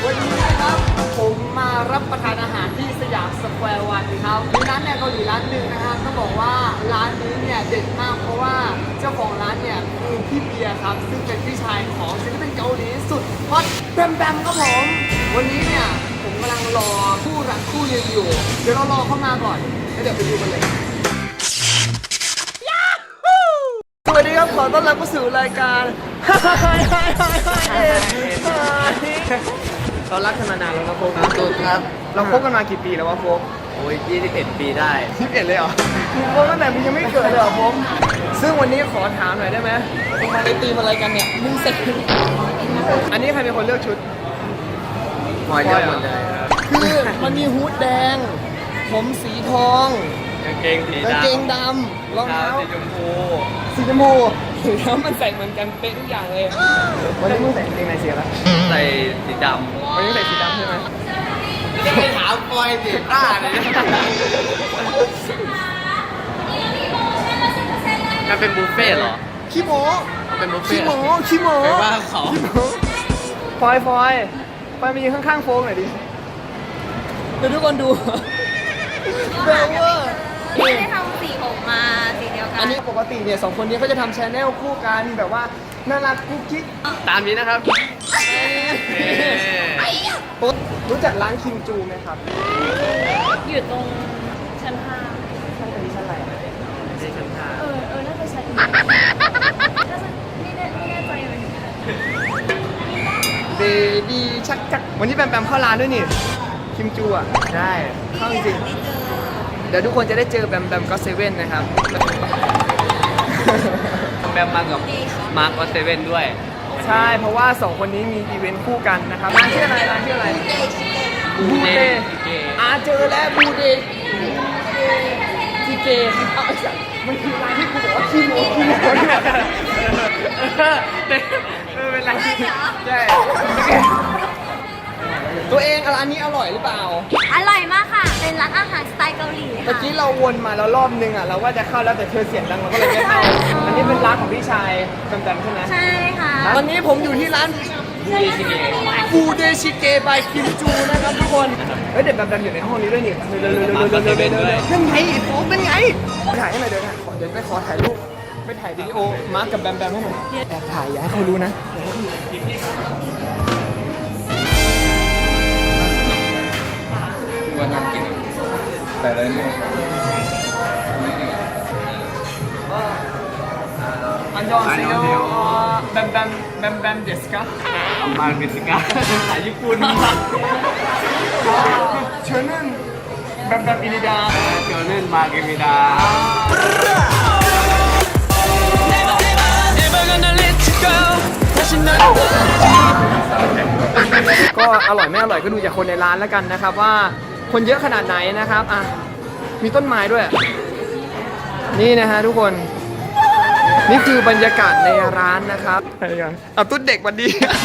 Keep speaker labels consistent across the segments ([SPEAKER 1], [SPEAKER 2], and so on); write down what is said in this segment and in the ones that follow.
[SPEAKER 1] วันนี้นะครับผมมารับประทานอาหารที่สยามสแควร์วันครับมีร้านแนวเกาหลีร้านหนึ่งนะครับต้องบอกว่าร้านนี้เนี่ยเด็ดมากเพราะว่าเจ้าของร้านเนี่ยคือพี่เบียร์ครับซึ่งเป็นพี่ชายของศิลปินเกาหลีสุดฮอตแบมแบมครับผมวันนี้เนี่ยผมกำลังรอคู่รักคู่หนึงอยู่เดี๋ยวเรารอเข้ามาก่อนแล้วเดี๋ยวไปดูกันเลยสวัสดีครับขอต้อนรับเข้าสู่รายการเรารักกันมานานแล้วนะโฟกสุดครับเราคบกันมากี่ปีแล้ววะโฟก
[SPEAKER 2] โอ้ย21 ปีได้
[SPEAKER 1] 21เลยเหรอมึงโฟกตั้งแต่มึงยังไม่เกิดเลยเหรอโฟกซึ่งวันนี้ขอถามหน่อยได้ไหมมึงมาในตีมอะไรกันเนี่ยมึงเสร็จอันนี้ใครเป็นคนเลือกชุด
[SPEAKER 2] พอยเลือกหมดเลย
[SPEAKER 1] คือมันมีฮู้ดแดงผมสีทอง
[SPEAKER 2] กางเกงสี
[SPEAKER 1] ดำรองเท้า
[SPEAKER 2] สีชมพู
[SPEAKER 1] แล้วมันใส่เหมือนกันเป๊ะทุกอย่างเลยวันนี้มึงใส่กางเกงในสีอะไร
[SPEAKER 2] ใส่สีดำ
[SPEAKER 1] วันนี้ใส่สีดำใช่ไหม
[SPEAKER 2] จะไปถามปอยสีผ้าเลยมันเป็นบุฟเฟ่เหรอ
[SPEAKER 1] ขี้โม้
[SPEAKER 2] เป็นบุฟเฟ่
[SPEAKER 1] ขี้โม้
[SPEAKER 2] ไปว่าเขา
[SPEAKER 1] ฟอยไปมายืนข้างๆโฟงหน่อยดิเดี๋ยวทุกคนดูแบลเวอร์
[SPEAKER 3] ไม่ได้ทำสีผมมาสีเดียวกัน
[SPEAKER 1] อันนี้ปกติเนี่ย2คนนี้เขาจะทำชแนลคู่กันแบบว่าน่ารักกุ๊กกิ๊ก
[SPEAKER 2] ตามนี้นะครับ
[SPEAKER 1] ปุ๊บรู้จักร้านคิมจูไหมครับ
[SPEAKER 3] อยู่ตรงชั้น5
[SPEAKER 1] ชั้นนี้ชั้นอะไร
[SPEAKER 2] ชั้น5
[SPEAKER 3] น่าจะชั้นนี้ไม่แน่ใจเลย
[SPEAKER 1] เบบี้ชักวันนี้แบมเข้าร้านด้วยนี่คิมจูอ่ะ
[SPEAKER 2] ใช่
[SPEAKER 1] เข้าจริงเดี๋ยวทุกคนจะได้เจอแบมก็เซเว่นนะครับ
[SPEAKER 2] แบมมากับมาร์คก็เซเว่นด้วย
[SPEAKER 1] ใช่เพราะว่า2คนนี้มีอีเวนต์คู่กันนะครับร้านชื่ออะไรบูเดเจอแล้วบูเดทีเกเอาจากมันคือร้านที่กูบอกว่าขี้โม้
[SPEAKER 2] เป็นไร
[SPEAKER 1] ใช่ตัวเองร้านนี้อร่อยหรือเปล่า
[SPEAKER 3] อร่อยมากค่ะเป็นร้านอาหารสไตล์เกาหลี
[SPEAKER 1] เมื่อกี้เราวนมาแล้วรอบนึงอ่ะเราว่าจะเข้าแล้วแต่เธอเสียงดังเราก็เลยไม่เข้าอันนี้เป็นร้านของพี่ชายแบมใช่ไหม
[SPEAKER 3] ใช่ค่ะ
[SPEAKER 1] วันนี้ผมอยู่ที่ร้านบูเดชิเกบายคิมจูนะครับทุกคนเฮ้ยเด็กแบมอยู่ในห้องนี้ด้วยนี่นั่นไงผมเป็นไงถ่ายให้หน่อยเดี๋ยวไปขอถ่ายรูปไปถ่ายวิดีโอมาร์กกับแบมให้หน่อยแอบถ่ายอย่าให้เขารู้นะ
[SPEAKER 2] วันนั้นกินแต่ละเนี่ย
[SPEAKER 1] อันยองเซโยแบมเดสกะ
[SPEAKER 2] มาเมสิกาภาษาญี่ปุ่น
[SPEAKER 1] เชิญนั่นแบมอินิดา
[SPEAKER 2] เชิญนั่นมาเกมิดา
[SPEAKER 1] ก็อร่อยไม่อร่อยก็ดูจากคนในร้านแล้วกันนะครับว่าคนเยอะขนาดไหนนะครับอ่ะมีต้นไม้ด้วยนี่นะฮะทุกคนนี่คือบรรยากาศในร้านนะครับเอาตุ๊ดเด็กวันดี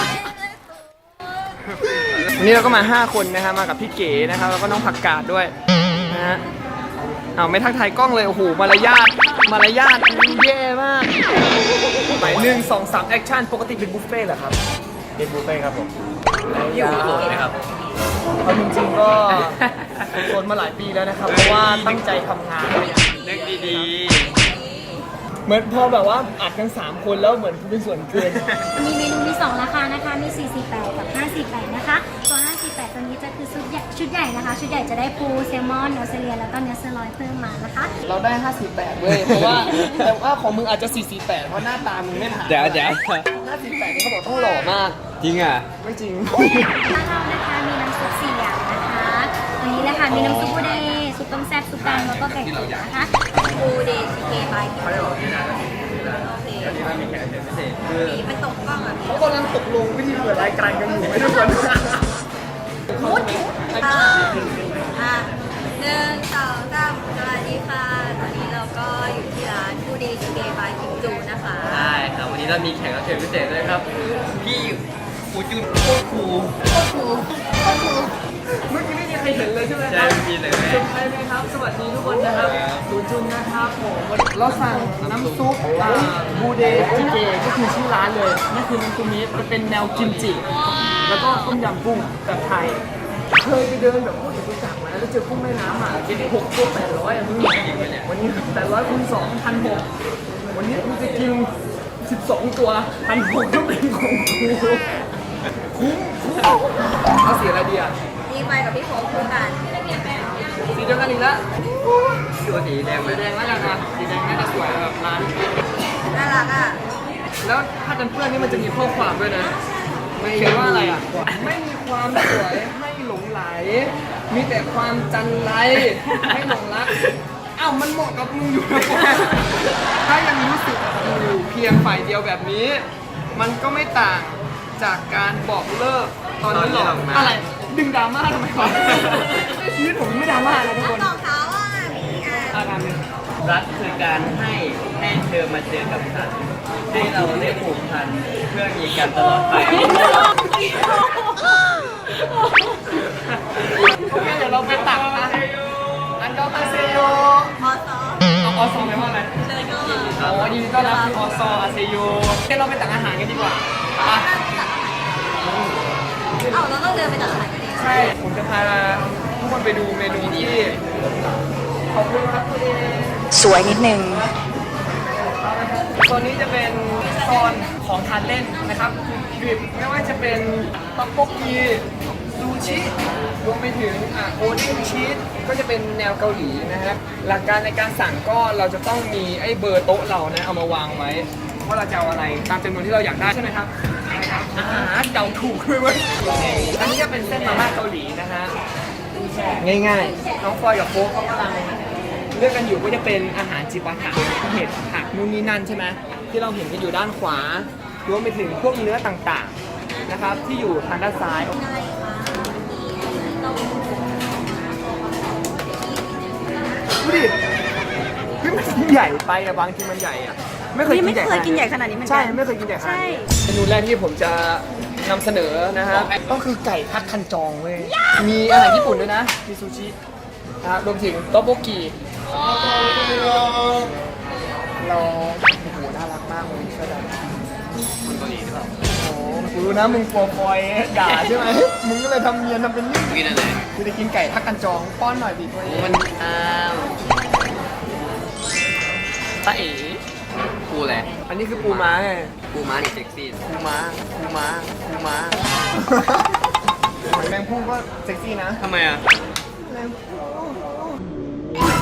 [SPEAKER 1] วันนี้เราก็มา5คนนะครับมากับพี่เก๋นะครับแล้วก็น้องผักกาดด้วยนะฮะเอาไม่ทักทายกล้องเลยโอ้โหมารยาทแย่มากหมาย1 2 3แอคชั่นปกติเป็นบุฟเฟ่ต์เหรอครับ
[SPEAKER 2] เป็นบุฟเฟ่ครับผมอยู่โสดไหมครับ
[SPEAKER 1] เอาจริงๆก็โสดมาหลายปีแล้วนะครับเพราะว่าตั้งใจทำงาน
[SPEAKER 2] เล็กดี
[SPEAKER 1] เหมือนพอแบบว่าอัดกัน3คนแล้วเหมือนเป็นส่วนเกิน
[SPEAKER 3] มีเมนูมี2ราคานะคะมี448กับ548นะคะตัว548ตัวนี้จะคือชุดใหญ่นะคะชุดใหญ่จะได้ปูแซลมอนเนื้อเซเลียแล้วก็เนื้อเซอร์ลอยเพิ่มมานะคะ
[SPEAKER 1] เราได้548เว้ยเพราะว่าแต่ว่าของมึงอาจจะ448เพราะหน้าตามึงไม่ผ่าน
[SPEAKER 2] เดี๋ยว
[SPEAKER 1] 548นี่เขาบอกต้องหล่อมาก
[SPEAKER 2] จริงอ่ะ
[SPEAKER 1] ไม่จริง
[SPEAKER 3] ร้านเรานะคะมีน้ำซุป4อย่างนะคะตัวนี้เลยค่ะมีน้ำซุปบูเดซุปต้มแซ่บซุปแดงแล้วก็ไก่ตุ๋นนะคะบูเดชิเกบายคิมจูโอเคมันตกกล้องอ่ะ
[SPEAKER 1] เขากำลังตกลงวิธีเปิดรายการกันอยู่ไม่ทุกคน
[SPEAKER 3] มุด1 2 3สวัสดีค่ะตอนนี้เราก็อยู่ที่ร้านบูเดชิเกบายคิมจูนะคะ
[SPEAKER 2] ใช่ครับวันนี้เรามีแขกรับเชิญพิเศษด้วยครับพี่ฟูจุนโคคู
[SPEAKER 1] เมื่อกี้ไม่มีใครเห็นเลยใช่ไหม
[SPEAKER 2] ใช่ไม่มีเลย
[SPEAKER 1] เซอร์ไพรส์ไหมครับสวัสดีทุกคนนะครับฟูจุนนะครับผมเราสั่งน้ำซุปบูเดจิเกก็คือชื่อร้านเลยนั่นคือน้ำซุปนี้จะเป็นแนวกิมจิแล้วก็ต้มยำกุ้งแบบไทยเคยไปเดินแบบพวกจตุจักรมาแล้วเจอกุ้งแม่น้ำอ่ะกิน6 ตัว 800อ่ะมึงวันนี้800คูณ2 1,600วันนี้กูจะกิน12 ตัว1,600ก็เป็นของกูคุ้มเอาสีอะไรดีอ่ะ
[SPEAKER 4] นี่ไปกับพี่โฟคู่กัน
[SPEAKER 1] สีเดียวกันอีกแล้ว
[SPEAKER 2] ดูสีแดงไหม
[SPEAKER 1] สีแดงแล้วกันนะสีแดงน่าจะสวยแบบร้าน
[SPEAKER 4] น่ารักอ่ะ
[SPEAKER 1] แล้วถ้ากันเปื้อนนี่มันจะมีข้อความด้วยนะมันเขียนว่าอะไรอ่ะไม่มีความสวยให้หลงไหล มีแต่ความจันไรให้หลงรักอ้าวมันเหมาะกับมึงอยู่นะถ้ายังรู้สึกอยู่เพียงฝ่ายเดียวแบบนี้ มันก็ไม่ต่างจากการบอกเลิกตอนนี้หรอกอะไรดึงดราม่าทำไมวะชีวิตผมไม่ดราม่านะทุกคน
[SPEAKER 4] ของเขาอ่ะนี่ไง
[SPEAKER 1] อาการเป็น
[SPEAKER 2] รักคือการให้เธอมาเจอกับฉันให้เราได้ผูกพันเพื่อมีกันตลอดไป
[SPEAKER 1] โอเคเดี๋ยวเราไปตักนะอันก็คาเซโย
[SPEAKER 4] พอซ้อม
[SPEAKER 1] เอาออซอไหมว่าอะไร
[SPEAKER 4] เชิญก็
[SPEAKER 1] อ๋อยินดีต้อนรับคือออซออาเซโยเดี๋ยวเราไปตักอาหารกันดีกว่าอ่ะ
[SPEAKER 4] เอาเราต้องเดินไปตัดสายกันดิ
[SPEAKER 1] ใช่ ผมจะพาทุกคนไปดูเมนูที่ขอบคุณครับตัวเอง
[SPEAKER 4] สวยนิดนึง
[SPEAKER 1] โซนนี้จะเป็นโซนของทานเล่นนะครับกริบไม่ว่าจะเป็นต๊อกโบกีซูชิรวมไปถึงโอเด้งชีสก็จะเป็นแนวเกาหลีนะฮะหลักการในการสั่งก็เราจะต้องมีไอ้เบอร์โต๊ะเรานะเอามาวางไว้ว่าเราจะเอาอะไรตามจำนวนที่เราอยากได้ใช่ไหมครับใช่ครับเดาถูกด้วยเว้ยอันนี้ก็เป็นเส้นมาม่าเกาหลีนะฮะง่ายๆน้องฟอยกับโฟกเขากำลังเลือกกันอยู่ก็จะเป็นอาหารจิปาถะเห็ดผักนู่นนี่นั่นใช่ไหมที่เราเห็นกันอยู่ด้านขวารวมไปถึงพวกเนื้อต่างๆนะครับที่อยู่ทางด้านซ้ายดูดิเฮ้ยมันใหญ่ไปอะบางทีมันใหญ่อะไม่เคยกินใหญ่
[SPEAKER 4] ไม่เคยกินใหญ่ขนาดนี้เหมือนกัน
[SPEAKER 1] ใช่ไม่เคยกินใหญ่ขนาดนี้เมนูแรกที่ผมจะนำเสนอนะฮะก็คือไก่ทัดคันจองเว้ยมีอาหารญี่ปุ่นด้วยนะมีซูชินะครับรวมถึงโต๊ะโบกีเราโอ้โหน่ารักมากเลยเชื่อได้
[SPEAKER 2] คนเกาหลีหรือเปล่า
[SPEAKER 1] โอ้โหกูรู้นะมึงกลัวฟอยด่าใช่ไหมมึงก็เลยทำเนียนทำเป็นนิ่ง
[SPEAKER 2] กินอะไร
[SPEAKER 1] กูจะกินไก่ทักกันจองป้อนหน่อยดิตัวเอง
[SPEAKER 2] มันตาเอ๋ปูอะไร
[SPEAKER 1] อันนี้คือปูม้าไง
[SPEAKER 2] ปูม้านี่เซ็กซี่
[SPEAKER 1] ปูม้าปูม้าปูม้าหอยแมงพุ่งก็เซ็กซี่นะ
[SPEAKER 2] ทำไมอ่ะ
[SPEAKER 1] แมงพุ่ง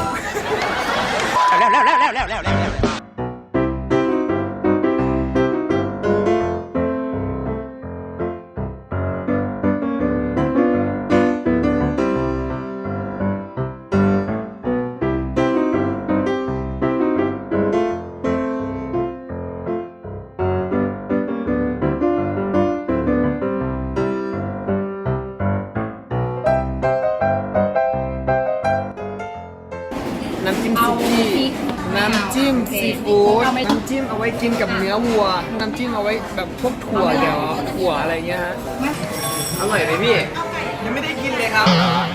[SPEAKER 1] น้ำจิ้มซุกี้น้ำจิ้มซีฟู้ดน้ำจิ้มเอาไว้กินกับเนื้อวัว น้ำจิ้มเอาไว้แบบพวกถั่วเดี๋ยวถั่วอะไรเงี้ยฮะ
[SPEAKER 2] อร่อยไหมพี่
[SPEAKER 1] ยังไม่ได้กินเลยครับ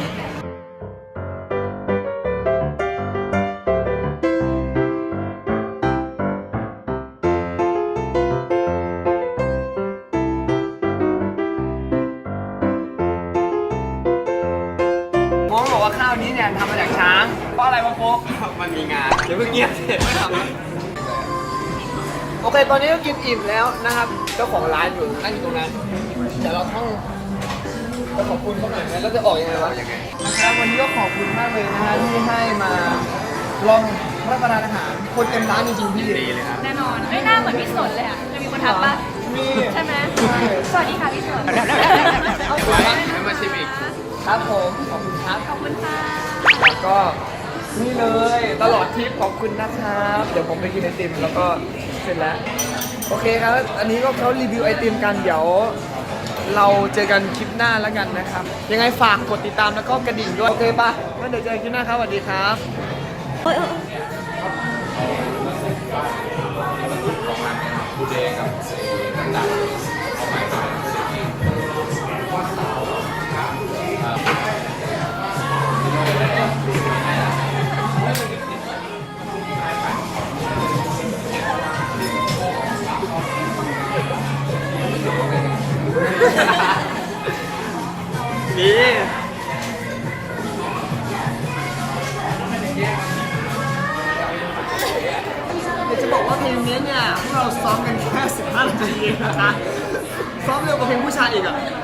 [SPEAKER 1] มองบอกว่าข้าวนี้เนี่ยทำมาจากช้างเพราะอะไรวะโฟก
[SPEAKER 2] มันมีงาน
[SPEAKER 1] เดี๋ยวเพิ่งเงียบเสร็จไม่ทำแล้วโอเค ตอนนี้ก็กินอิ่มแล้วนะครับ เจ้าของร้านอยู่นั่งอยู่ตรงนั้น เดี๋ยวเราต้องไปขอบคุณเขาหน่อยไหมแล้วจะออกยังไงวะนะครับวันนี้ก็ขอบคุณมากเลยนะฮะที่ให้มาลองรับประทานอาหาร คนเต็มร้านจริงๆพี่
[SPEAKER 2] ดีเลยครับ
[SPEAKER 4] แน่นอนไม่น่าเหมือนพี่สนเลยอ่ะจะมีคนทักปะ
[SPEAKER 1] มี
[SPEAKER 4] ใช่ไหมสวัสดีค่ะพี่สน
[SPEAKER 1] เอาไปละ
[SPEAKER 2] ไม่มาชิมอีก
[SPEAKER 1] ครับผมขอบคุณครับ
[SPEAKER 4] ขอบคุณค่ะ
[SPEAKER 1] แล้วก็นี่เลยตลอดทริปขอบคุณนะครับ เดี๋ยวผมไปกินไอติมแล้วก็เสร็จแล้ว โอเคครับ อันนี้ก็เขารีวิวไอติมกันเดี๋ยว เราเจอกันคลิปหน้าแล้วกันนะครับ ยังไงฝากกดติดตามแล้วก็กระดิ่งด้วย โอเคปะงั้นเดี๋ยวเจอกันคลิปหน้าครับสวัสดีครับ
[SPEAKER 2] ดี
[SPEAKER 1] เดี๋ยวจะบอกว่าเพลงนี้เนี่ยพวกเราซ้อมกันแค่15 นาทีเองนะคะซ้อมเร็วกว่าเพลงผู้ชายอีกอ่ะ